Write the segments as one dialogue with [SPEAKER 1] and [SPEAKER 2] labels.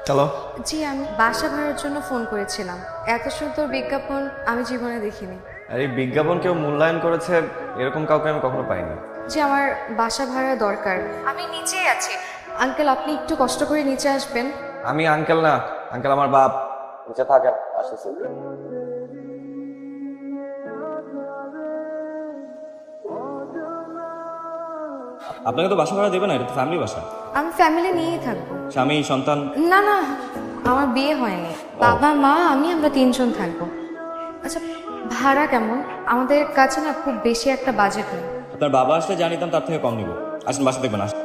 [SPEAKER 1] চলো।
[SPEAKER 2] জি, আমি বাসা ভাড়ার জন্য ফোন করেছিলাম। এত সুন্দর বিজ্ঞাপন আমি জীবনে দেখিনি।
[SPEAKER 1] আর এই বিজ্ঞাপন কেউ মূল্যায়ন করেছে এরকম কাউকে আমি কখনো পাইনি।
[SPEAKER 2] জি, আমার বাসা ভাড়া দরকার। আমি নিচেই আছি। আঙ্কেল, আপনি একটু কষ্ট করে নিচে আসবেন।
[SPEAKER 1] আমি আঙ্কেল না, আঙ্কেল আমার বাপ। নিচে থাকেন, আসতেছি। আপনাকে তো বাসা ভাড়া দেবে না, এটা তো ফ্যামিলি বাসা।
[SPEAKER 2] আমি ফ্যামিলি নিয়েই থাকবো।
[SPEAKER 1] স্বামী সন্তান?
[SPEAKER 2] না না, আমার বিয়ে হয়নি। বাবা মা আমি আমরা তিনজন থাকবো। আচ্ছা, ভাড়া কেমন? আমাদের কাছে না খুব বেশি একটা বাজেট নেই।
[SPEAKER 1] আপনার বাবা আসলে জানিতাম তার থেকে কম নিব। আসেন বাসা দেখবেন। আসেন।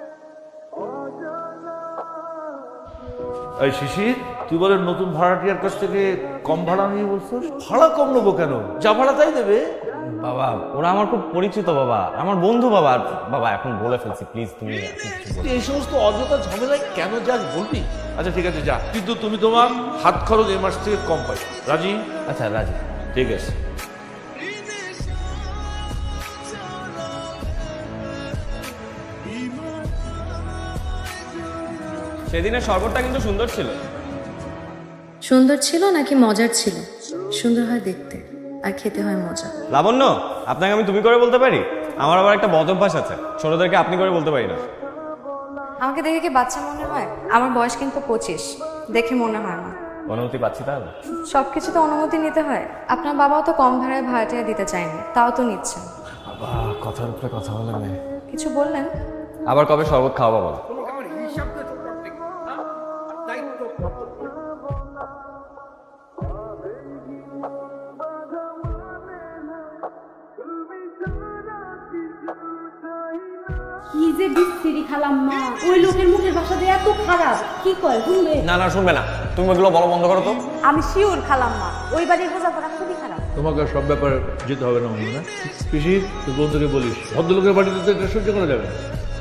[SPEAKER 3] এই শিশির, তুই বলে নতুন ভাড়াটিয়ার কাছ থেকে কম ভাড়া নিয়ে বলছিস? ভাড়া কম নেবো কেন? যা ভাড়া তাই দেবে।
[SPEAKER 1] বাবা ওরা আমার খুব পরিচিত বাবা, আমার বন্ধু বাবা। বাবা এখন বলে ফেলছি, প্লিজ তুমি এখন কিছু বলো।
[SPEAKER 3] এই সমস্ত অযথা ঝামেলায় কেন যাস বলবি? আচ্ছা ঠিক আছে, যা, কিন্তু তুমি তোমার হাত খরচ এই মাস থেকে কম পাই। রাজি?
[SPEAKER 1] আচ্ছা রাজি।
[SPEAKER 3] ঠিক আছে।
[SPEAKER 1] সেদিনের শরবতটা কিন্তু সুন্দর ছিল।
[SPEAKER 2] সুন্দর ছিল নাকি মজার ছিল? সুন্দর হয় দেখতে, আর খেতে হয় মজা।
[SPEAKER 1] লাবণ্য, আপনাকে আমি তুমি করে বলতে পারি? আমার আবার একটা বদ অভ্যাস আছে, ছোটদেরকে আপনি করে বলতে পারি না।
[SPEAKER 2] আমাকে দেখে কি বাচ্চা মনে হয়? আমার বয়স কিন্তু 25, দেখে মনে হয় না।
[SPEAKER 1] অনুমতি পাচ্ছি তাহলে?
[SPEAKER 2] সবকিছু তো অনুমতি নিতে হয়। আপনার বাবাও তো কম ভাড়ায় ভাড়াটিয়া দিতে চায়নি, তাও তো নিচ্ছেন।
[SPEAKER 1] বাবা কথার উপরে কথা বলে মেয়ে।
[SPEAKER 2] কিছু বললেন?
[SPEAKER 1] আবার কবে শরবত খাওয়াবো বলো?
[SPEAKER 4] কি যে বিশ্রী খালাম্মা, ওই লোকের মুখের ভাষা দিয়ে এত খারাপ, কি কয় শুনবে?
[SPEAKER 1] না না শুনবে না, তুমি ওগুলো বলো বন্ধ করো তো।
[SPEAKER 4] আমি শিওর খালাম্মা, ওই বাড়ির বোঝাপড়া খুবই খারাপ।
[SPEAKER 3] তোমাকে সব ব্যাপারে যেতে হবে না মনে না। শিশির, তুই বন্ধুকে বলিস ভদ্রলোকের বাড়িতে তো এটা সহ্য করা যাবে না।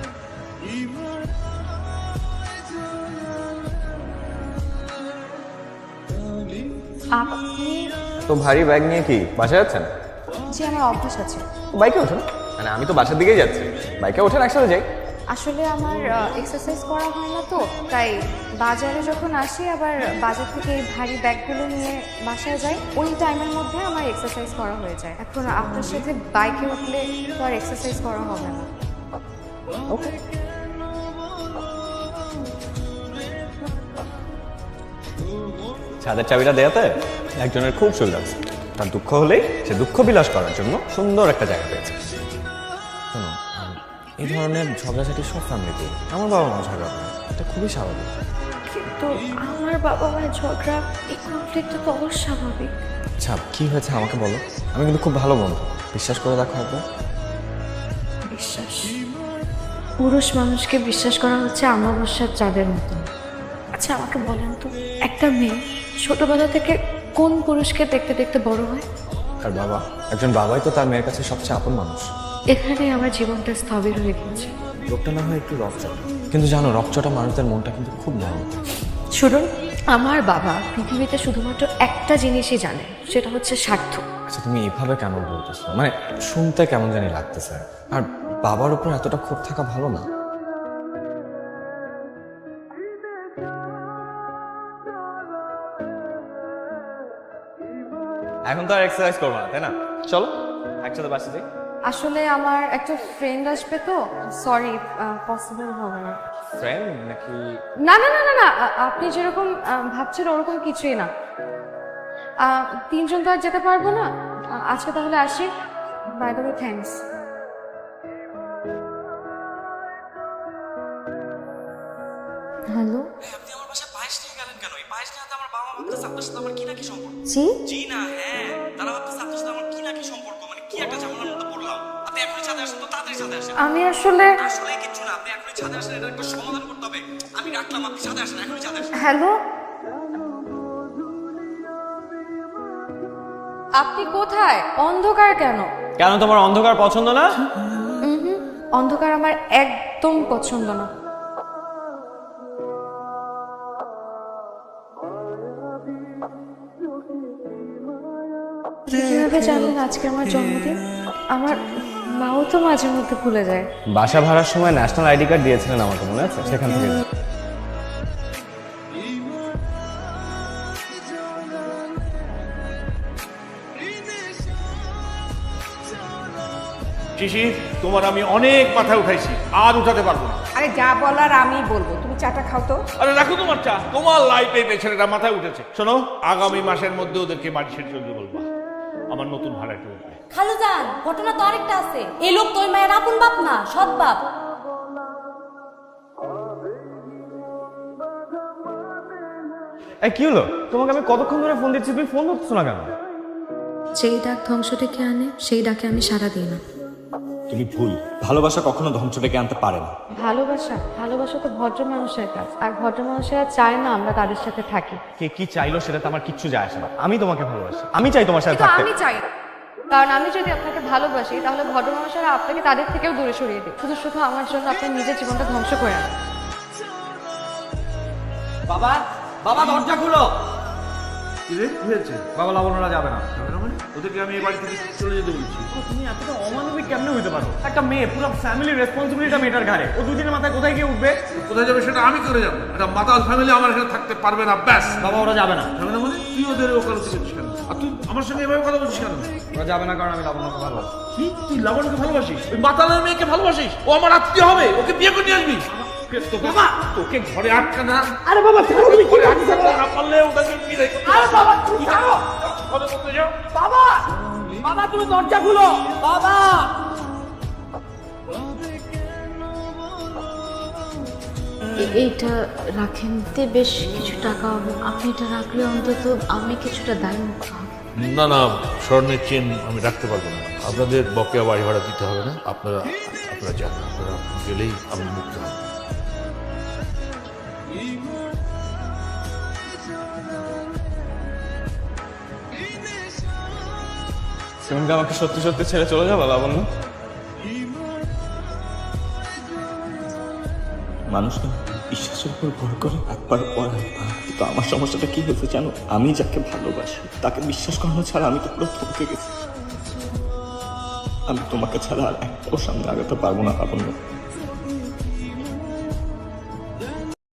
[SPEAKER 2] আপনি?
[SPEAKER 1] তো ভারী ব্যাগ নিয়ে কি বাসায় যাচ্ছেন?
[SPEAKER 2] জি, আমার অভ্যাস আছে।
[SPEAKER 1] বাইকে ওঠেন। মানে আমি তো বাসার দিকেই যাচ্ছি, বাইকে ওঠেন একসাথে যাই।
[SPEAKER 2] আসলে আমার এক্সারসাইজ করা হয় না তো, তাই বাজারে যখন আসি আবার বাজার থেকে এই ভারী ব্যাগগুলো নিয়ে বাসায় যাই, ওই টাইমের মধ্যে আমার এক্সারসাইজ করা হয়ে যায়। এখন আপনার সাথে বাইকে উঠলে তো আর এক্সারসাইজ করা হবে না।
[SPEAKER 1] ওকে। ছাদের চাবিটা দেয়াতে একজনের খুব সুবিধা আছে। তার দুঃখ হলেই সে দুঃখ বিলাস করার জন্য সুন্দর একটা জায়গা পেয়েছে। শোনো, এই ধরনের ঝগড়াঝাটি সব ফ্যামিলিতে, আমার বাবা মা ঝগড়া করে, এটা খুবই স্বাভাবিক।
[SPEAKER 2] কিন্তু আমার বাবা মায়ের ঝগড়া, এই কনফ্লিক্টটা তো অস্বাভাবিক।
[SPEAKER 1] আচ্ছা কি হয়েছে আমাকে বলো, আমি কিন্তু খুব ভালো বন্ধু, বিশ্বাস করে দেখো একবার।
[SPEAKER 2] বিশ্বাস? পুরুষ মানুষকে বিশ্বাস করা হচ্ছে অমাবস্যার চাঁদের মতো। আচ্ছা আমাকে বলেন তো, একটা মেয়ে ছোটবেলা থেকে কোন পুরুষকে দেখতে দেখতে বড় হয়?
[SPEAKER 1] আর বাবা, একজন বাবাই তো তার মেয়ের কাছে সবচেয়ে আপন মানুষ।
[SPEAKER 2] এখানে আমার জীবনটা স্থবির হয়ে গেছে।
[SPEAKER 1] লোকটা না হয় একটু রকচটা, কিন্তু জানো রকচটা মানুষদের মনটা কিন্তু খুব ভালো।
[SPEAKER 2] শুনুন, আমার বাবা পৃথিবীতে শুধুমাত্র একটা জিনিসই জানে, সেটা হচ্ছে স্বার্থ।
[SPEAKER 1] আচ্ছা তুমি এভাবে কেন বলতেছো? মানে শুনতে কেমন জানি লাগতেছে। আর বাবার উপর এতটা ক্ষোভ থাকা ভালো না। এখন তো আর এক্সারসাইজ করবো না, তাই না? চলো একসাথে বাসে যাই।
[SPEAKER 2] আসলে আমার একটা ফ্রেন্ড আসবে তো, সরি, পসিবল হবে না।
[SPEAKER 1] ফ্রেন্ড নাকি?
[SPEAKER 2] না না না না না, আপনি যেরকম ভাবছেন ওরকম কিছুই না। তিনজন তো আর যেতে পারবো না। আজকে তাহলে আসি। By the way, thanks. Hello,
[SPEAKER 5] আপনি আমার বাসায় পায়েস নিয়ে গেলেন কেন? এই পায়েস নিয়ে আমার বাবা মা ভাবতেছে আপনার সাথে আমার কি না কি সম্পর্ক।
[SPEAKER 2] জি
[SPEAKER 5] জি না, হ্যাঁ, তারা ভাবতেছে আপনার সাথে আমার কি না কি সম্পর্ক, মানে কি একটা ঝামেলার মধ্যে পড়লাম। আপনি এখনই ছাদে আসেন তো, তাড়াতাড়ি ছাদে আসেন।
[SPEAKER 2] আমি আসলে।
[SPEAKER 5] আসলে কিচ্ছু না, আপনি এখনই ছাদে আসেন, এটা একটা সমাধান করতে হবে। আমি রাখলাম, আপনি ছাদে আসেন, এখনই ছাদে আসেন।
[SPEAKER 2] হ্যালো, আপনি কোথায়? অন্ধকার কেন?
[SPEAKER 1] কেন তোমার অন্ধকার পছন্দ না?
[SPEAKER 2] অন্ধকার আমার একদম পছন্দ না। কিভাবে জানলেন আজকে আমার জন্মদিন? আমার মাও তো মাঝে মধ্যে ভুলে যায়।
[SPEAKER 1] বাসা ভাড়ার সময় ন্যাশনাল আইডি কার্ড দিয়েছিলেন আমাকে, মনে আছে? সেখান থেকে
[SPEAKER 3] শিশির, তোমার আমি অনেক মাথায় উঠাইছি, আর উঠাতে পারবো না।
[SPEAKER 6] আরে যা বলার আমি বলবো, তুমি চাটা খাও তো।
[SPEAKER 3] আরে রাখো তোমার চা, তোমার লাইফে এই ছেলেটা মাথায় উঠেছে। শোনো, আগামী মাসের মধ্যে ওদেরকে বাড়ি ছেড়ে চলতে বলবা, আমার নতুন ভাড়াটা উঠবে।
[SPEAKER 4] খালুজান, ঘটনা তো আরেকটা আছে। এই লোক তোর মায়ের আপন বাপ না, সৎ বাপ।
[SPEAKER 1] এই কি হলো? তোমাকে আমি কতক্ষণ ধরে ফোন দিচ্ছি, তুমি ফোন ধরছো না কেন?
[SPEAKER 2] যেই ডাক ধ্বংস ডেকে আনে সেই ডাকে আমি সাড়া দিই না।
[SPEAKER 1] তুমি ভুল। ভালোবাসা কখনো ধ্বংস ডেকে আনতে পারে না।
[SPEAKER 2] ভালোবাসা তো ভদ্র মানুষের কাজ, আর ভদ্র মানুষেরা চায় না আমরা তাদের সাথে থাকি।
[SPEAKER 1] কে কি চাইলো সেটাতে আমার কিচ্ছু যায় আসে না। আমি তোমাকে ভালোবাসি, আমি চাই তোমার সাথে
[SPEAKER 2] কিন্তু
[SPEAKER 1] থাকতে।
[SPEAKER 2] আমি চাই না। কারণ আমি যদি আপনাকে ভালোবাসি তাহলে ভদ্র মানুষেরা আপনাকে তাদের থেকেও দূরে সরিয়ে দিই, শুধু শুধু আমার জন্য আপনার নিজের জীবনটা ধ্বংস করে আনেন।
[SPEAKER 5] বাবা বাবা দরজা খুলো।
[SPEAKER 3] কি রে, কি হয়েছে?
[SPEAKER 1] বাবা লাবণ্যরা যাবে না।
[SPEAKER 3] যাবে না মানে? ওদেরকে আমি এই বাড়ি থেকে চলে যেতে বলছি।
[SPEAKER 1] তুমি এতটা অমানবিক কেমনে হইতে পারো? একটা মেয়ে, পুরো ফ্যামিলির রেসপন্সিবিলিটিটা মেয়েটার ঘাড়ে। ও দুদিনের মাথায় কোথায় গিয়ে উঠবে?
[SPEAKER 3] কোথায় যাবে সেটা আমি করে যাবো। একটা মাতাল ফ্যামিলি আমার এখানে থাকতে পারবে না, ব্যাস।
[SPEAKER 1] বাবা ওরা যাবে না।
[SPEAKER 3] যাবে না মানে? তুই ওদের ওকালতি করছিস কেন? আর তুই আমার সঙ্গে এভাবে কথা বলছিস কেন?
[SPEAKER 1] ওরা যাবে না কারণ আমি লাবণ্যকে ভালোবাসি।
[SPEAKER 3] কি, তুই লাবণ্যকে ভালোবাসিস? ওই মাতালের মেয়েকে ভালোবাসিস? ও আমার আত্মীয় হবে, ওকে বিয়ে করে নিয়ে আসবি। বাবা, তোকে ঘরে আটকা না।
[SPEAKER 1] আরে বাবা
[SPEAKER 3] তুমি ঘরে আটকা না পারলে ওটাকে বিয়ে করতে। আরে বাবা, তুই যাও। ঘরে করতে যাও।
[SPEAKER 5] বাবা বাবা তুমি দরজা খুলো বাবা।
[SPEAKER 2] এইটা রাখেন, তে বেশ কিছু টাকা হবে। আপনি এটা রাখলে অন্তত আমি কিছুটা দায় মুক্ত হব।
[SPEAKER 3] না না, স্বর্ণের চেন আমি রাখতে পারবো না। আপনাদের বকেয়া বাড়ি ভাড়া দিতে হবে না। আপনারা যান, আপনারা গেলেই আমি মুক্ত হব।
[SPEAKER 1] তুমি কি আমাকে সত্যি সত্যি ছেড়ে চলে যাবে লাবণ্য?
[SPEAKER 7] মানুষ না বিশ্বাসের উপর ভর করে একবার পর একবার। কিন্তু আমার সমস্যাটা কি হয়েছে জানো? আমি যাকে ভালোবাসি তাকে বিশ্বাস করানো ছাড়া আমি তো পুরো থমকে গেছি। আমি তোমাকে ছাড়া আর একটাও সামনে আগাতে পারবো না লাবণ্য।